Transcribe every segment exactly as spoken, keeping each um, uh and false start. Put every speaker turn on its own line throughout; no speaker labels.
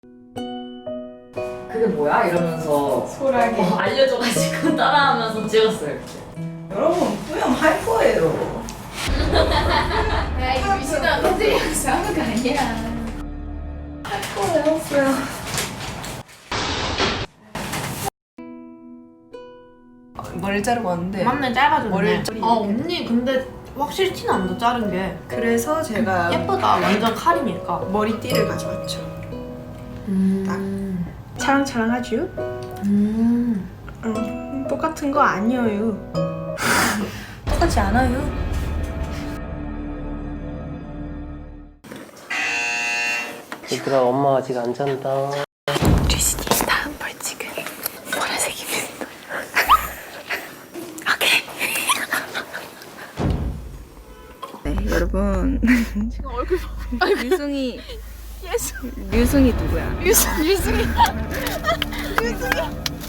그게 뭐야? 이러면서
소라게.
어, 알려줘가지고 따라하면서 찍었어요.
여러분 뿌염 할 거예요.
야, 이 미친아, 너들이 여기서 하는 거 아니야.
할 거예요, 뿌염. 머리를 자르고 왔는데
맞네, 짧아졌네.
머리를 좀-
아 언니 근데 확실히 티는 안 나, 자른 게.
그래서 제가
예쁘다, 완전 카리니까.
머리띠를 가져왔죠.
음.
차랑차랑하죠?
음.
응, 똑같은 거 아니에요. 똑같지 않아요.
얘들아, 엄마 아직 안 잔다.
류진이 다음 벌칙은 보라색입니다. 오케이. 네, 여러분. 지금 얼굴 봐. 류승이. 예수. 류승이 누구야?
유승, 유승이. 유승이.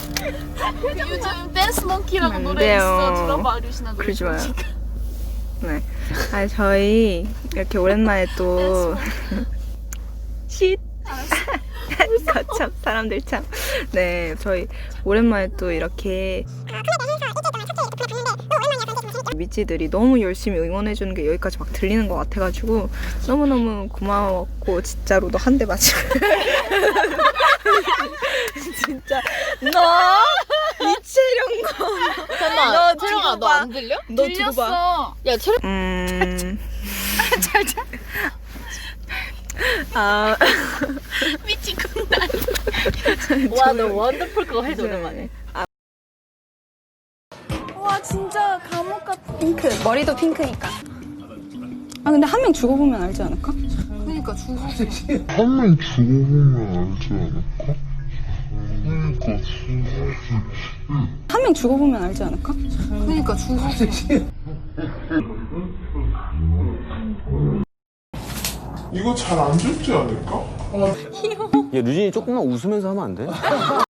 요즘 댄스 몽키라고
안
노래
돼요.
있어. 들어봐, 류신아 노래.
그러지 마요. 네. 아 저희 이렇게 오랜만에 또 쉿. 참 사람들 참. 네, 저희 오랜만에 또 이렇게 미찌들이 너무 열심히 응원해주는 게 여기까지 막 들리는 것 같아가지고 너무너무 고마웠고 진짜로 너 한 대 맞추 진짜 너 이채령거
잠깐만,
너
채령아,
두고
너
봐.
안 들려?
너 두고 봐.
야, 채령.
음... 아...
미치겠다.
와, 너 원더풀 그거 해줘 오랜만에.
와 진짜 감옥 같아. 핑크 머리도 핑크니까. 아 근데 한 명 죽어보면 알지 않을까?
그러니까 죽어.
한 명 죽어보면 알지 않을까? 그러니까
한 명 죽어보면 알지 않을까?
그러니까 죽어.
이거 잘 안 죽지 않을까?
야, 류진이 조금만 웃으면서 하면 안 돼?